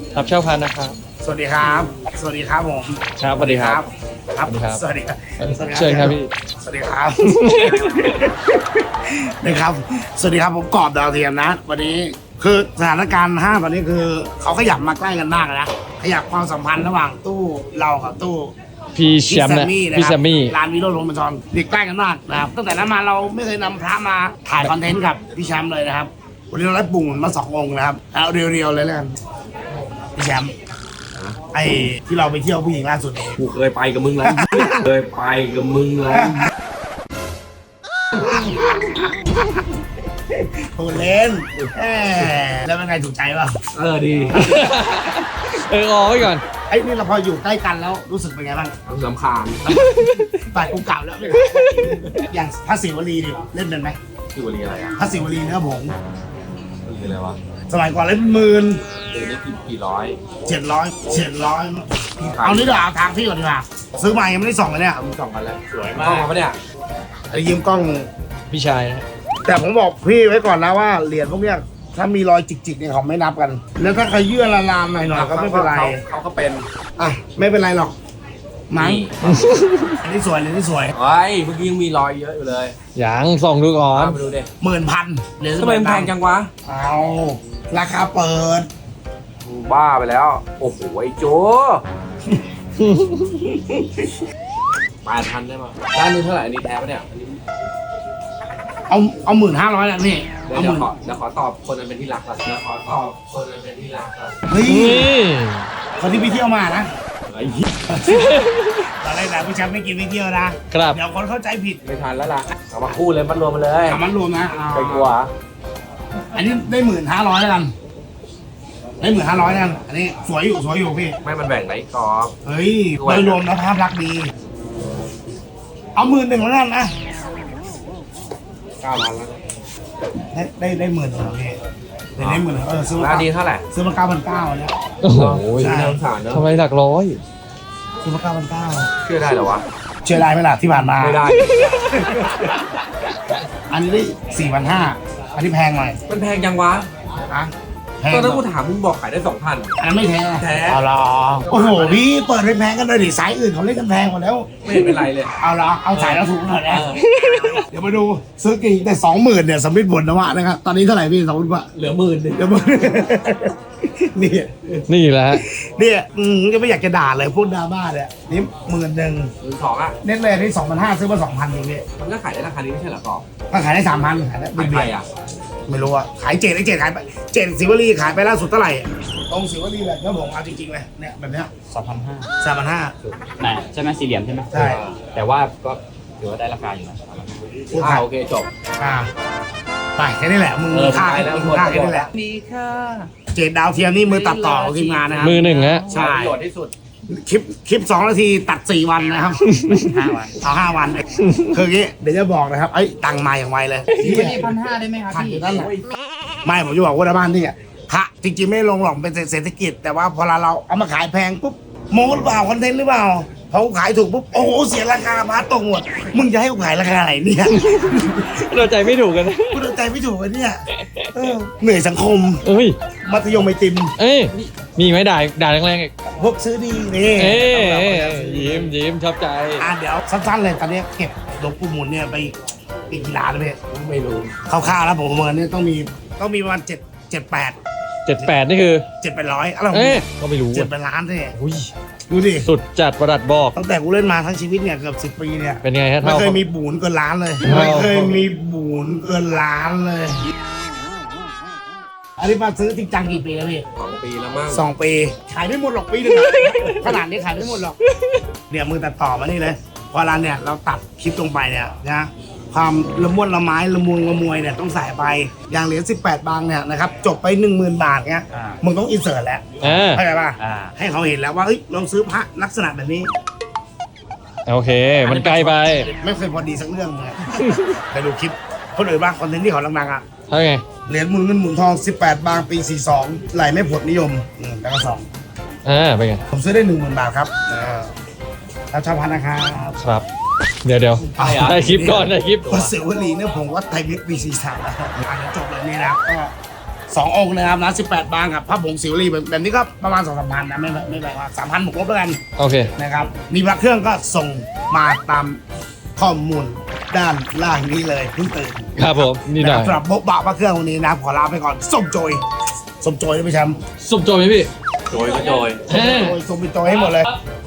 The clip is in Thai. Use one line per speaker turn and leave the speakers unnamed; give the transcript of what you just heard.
ครับเช่าพันนะครับ
สวัสดีครับ สวัสดีครับผม
ครับสวัสดีครับ
ครับ
สวัสดีครับ
สวัสดีครับ
เชิญครับพี่
สวัสดีครับ นะครับ สวัสดีครับผมกอบดาวเทียมนะ วันนี้คือสถานการณ์ห้างตอนนี้คือเขาขยับมาใกล้กันมากนะขยับความสัมพันธ์ระหว่างตู้เรากับตู้
พี่แชมป์นะพี่แชมมี่
ร้านวิโรจน์โรมจรติดใกล้กันมากนะครับตั้งแต่นั้นมาเราไม่เคยนำพระมาถ่ายคอนเทนต์กับพี่แชมป์เลยนะครับวันนี้เราได้ปุ่งมา2 องค์นะครับเอาเรียวๆเลยแล้วกันพี่แชมป์ไอ้ที่เราไปเที่ยวผู้หญิงล่าสุดเอง
กูเคยไปกับมึงแล้ว เคยไปกับมึงแล้ว
พูดเล่นแหมแล้วเป็นไงถูกใจป่ะ
ดี
ออกไว้ก่อน
ไอ้นี่เราพออยู่ใกล้กันแล้วรู้สึกเป็นไงบ้าง
สำคาญ
ฝ่ายกูเก่าแล้วอย่างพระศิวลีดิเล่นเป็นไหม
คือวันนี้อะไรอ่ะ
พระศิวลีเนื้อผง
คืออะไรวะ
สมัยก่อนเล่น10,000
เดี๋ยวนี้กี่ร้อย
700เอานี่เดี๋ยวเอาทางพี่ก่อนดีกว่าซื้อมายังไม่ได้ส่องเลยเนี่ย
ทำสองกันแล้วสวยมากมาปะเนี่ย
ไอ้ยืมกล้อง
พี่ชายนะ
แต่ผมบอกพี่ไว้ก่อนนะว่าเหรียญพวกเนี้ยถ้ามีรอยจิกๆเนี่ยเขาไม่นับกัน แล้วถ้าใครเยื่อละลามหน่อยๆก็ไม่เป็นไร
เขาก็เป็น
อ่ะไม่เป็นไรหรอกมั้งอันนี้สวยเลยนี่สวย
เฮ้ยเมื่อกี้ยังมีรอยเยอะอยู่เลย
ยังส่องดูก่อน
เอาไปดูดิ
10,000เหรียญ
ทำไมมันแพงจังวะ
เอาราคาเปิด
บ้าไปแล้ว โอ้โหไอ้โจ8,000ได้มั้ยร้านนี้เท่าไหร่อันนี้แท้ปะเนี่ยอันนี้
เอา1,500แล้วนี่
เดี๋
เอา
ยว
หมื่น
เดี๋ยวขอตอบคนนั้นเป็นที่รักก่อนเดี๋ยวขอตอบคนนั้นเป็นที่รักก่อน
เฮ้ย
นี่
คนที่ไปเที่ยวมานะ
ไอ้เหี้ย
ตอนแรกนะพี่แชมป์ไม่กินไปเที่ยวนะครับ เดี๋ยวคนเข้าใจผิด
ไม่ทันแล้วล่ะเอามาคู่เลยมัดรวมมาเลย
เอามันรวมนะเอา
ไปกลัว
อันนี้ได้1,500แล้วกันได้1,500แล้วกันอันนี้สวยอยู่พี่
ไม่มันแบ่งไหนกรอบ
เฮ้ยโดยรวมแล้วภาพลักษณ์ดี เอา11,000แล้วกันนะ
9,000แล้ว
ได้10,000แล้วพี่ได้10,000ซื้อ
ร้านนี้เท่าไหร่
ซื้อมา9,900เนี่ย
โอ้โห
ใช่
น่าสงสารเนอะ
ทำไมหลักร้อย
ซื้อมา9,900
เชื่อได้เหรอวะ
เชื่อได้ไหมล่ะที่ผ่านมา
ไม่ได้
อันนี้ได้4,500อันนี้แพงหน่อย
มันแพงจังวะ
อะแพง
ตอนนั้นกูถามมึงบอกขายได้ 2,000
อันนั้นไม่แพง
แท้
เอาละโอ้โหพี่เปิดแพงกันเลยดิสายอื่นเขาเล่นกันแพงหมดแล้ว
ไม่เห็นเป็นไรเลย
เอาละเอาสายเราถูกหน่อยนะเดี๋ยวมาดูซื้อกี่แต่20,000เนี่ยสมมิติผลนะวะนะครับตอนนี้เท่าไหร่พี่สมมติว่า
เหลือหมื่นนึง
เดี๋ยวมานี่
นี่แหละฮะ
เนี่ยจะไม่อยากจะด่าเลยพูดดราม่าเนี่ยนี่11,000
12,000อ่ะ
เน็ตเลยนี่2,500ซื้อมา2,000เองพี่
มันก็ขายได้ราคานี้ไม่ใช่เหรอกรอบ
ก็ขายได้3,000ขายได้
ขายไปอ่ะ
ไม่รู้อะขายเจ็ดขายไปเจ็ดศิวลีขายไปล่าสุดเท่าไหร่ตรงศิวลีแบบเนี้ยผมเอาจริงๆเลยเนี่ยแบบเนี้ย
2,500
3,500
นะใช่ไหมสี่เหลี่ยมใช่ไหม
ใช่
แต่ว่าก็ถือว่าได้ราคาอยู่นะ
โอเคจบ
ไปแค่นี้แหละมึงค่าแค่นี้แหละ
มีค่า
เจ็ดดาวเทียมนี่มือตัดต่อของทีมงานนะครับ
มือหนึ่งฮะ
ใช่
ประโยชน์ที่สุด
คลิป2 นาทีตัด4 วันนะครับ5 วันเอา5 วันคืออย่างงี้เดี๋ยวจะบอกนะครับตังมาอย่างไวเลย
วันนี้1,500ได้ไหมครับ
ขัด
พี่
อยู่นั่นแหละไม่ผมจะบอกว่าบ้านนี่พระจริงๆไม่ลงหรอกเป็นเศรษฐกิจ แต่ว่าพอเราเอามาขายแพงปุ๊บโม้หรือเปล่าคอนเทนต์หรือเปล่าเขาขายถูกปุ๊บโอ้โหเสียราคาพระตกหมดมึงจะให้กูขายราคาไหนเนี่ย
เราใจไม่ถูกกันนะ
กูตัดใจไม่ถูกเลยเนี่ยเหนื่อยสังคม
เอ้ย
มัธยมไอติม
เอ้ยมีไหมด่าแรงๆอีก
พวกซื้อดีนี่
เอ้ยยิ้มชอบใจ
เดี๋ยวสั้นๆเลยตอนนี้เก็บหลวงปู่หมุนเนี่ยไปอีกกี่ล้านแล้วพี่
ไม่รู้
คร่าวๆแล้วผมประเมินเนี่ยต้องมีประมาณ7-8
78 นี่คือ
7-800อะไรของ
เอ้
พี่
ยก็ไม่รู้
7-8 ล้านสิ
อุ้ย
ดูดิ
สุดจัดประดัดบอก
ตั้งแต่กูเล่นมาทั้งชีวิตเนี่ยเกือบ10 ปีเนี่ย
เป็นไงฮะ
ไม่
เท่า
เคยมีบูนเกินล้านเลย
เท่า
ไม่เคยมีบูนเกินล้านเลย อันนี้มาซื้อจริงจังกี่ปีแล้วพี่
2 ปีแล้วมั้ง
2 ปีขายไม่หมดหรอกปีหนึงอะ ขนาดนี้ขายไม่หมดหรอกเนี่ยมือตัดต่อมานี่เลยพอเราเนี่ยเราตัดคลิปลงไปเนี่ยนะความละมุนละไม้ละมุนละมวยเนี่ยต้องใส่ไปอย่างเหรียญ18 บางเนี่ยนะครับจบไป 10,000 บาทเนี่ยมึงต้องอินเสิร์ตแล้ว เข้าใจป่ะ ให้เขาเห็นแล้วว่าเอ้ยลองซื้อพระลักษณะแบบนี้
โอเค มันไกลไป
ไม่เคยพอดีสักเรื่องเลย ไปดูคลิปคนอื่นบ้างคอนเทนต์ที่เขาดังๆอ่ะ
เท่าไง
เหรียญหมุนเงินหมุนทอง18 บางปี 42ไหลไม่ผลนิยมแล้วก็สอง
เป็นไง
ผมซื้อได้ 10,000 บาทครับแล้วชาวพันนะครับ
ครับ เดี๋ยวได้คลิปก่อนได้คลิป
วัดเสวลีเนี่ยผมวัดไทยมิตรปี 43แล้วเดี๋ยวจบเลยนี่นะก็ 2 องค์นะครับนะ18 บางกับพระผงศิวลีแบบนี้ก็ประมาณ 2-3 พันนะไม่แพงว่า3,000บวกลบแล้วกัน
โอเค
นะครับมีพระเครื่องก็ส่งมาตามข้อมูลด้านล่างนี้เลยเพิ่งตื่น
ครับผมนี่หน่อย
ะครับสำหรับโบ๊ะบะพระเครื่องวันนี้นะขอลาไปก่อนส้มโจยส้มโจยได้ไหมแชมป์
สุบโจยไหมพี่
โจยก็โจย
เฮ้
โจยส้มเป็นโจยให้หมดเลย
ครับ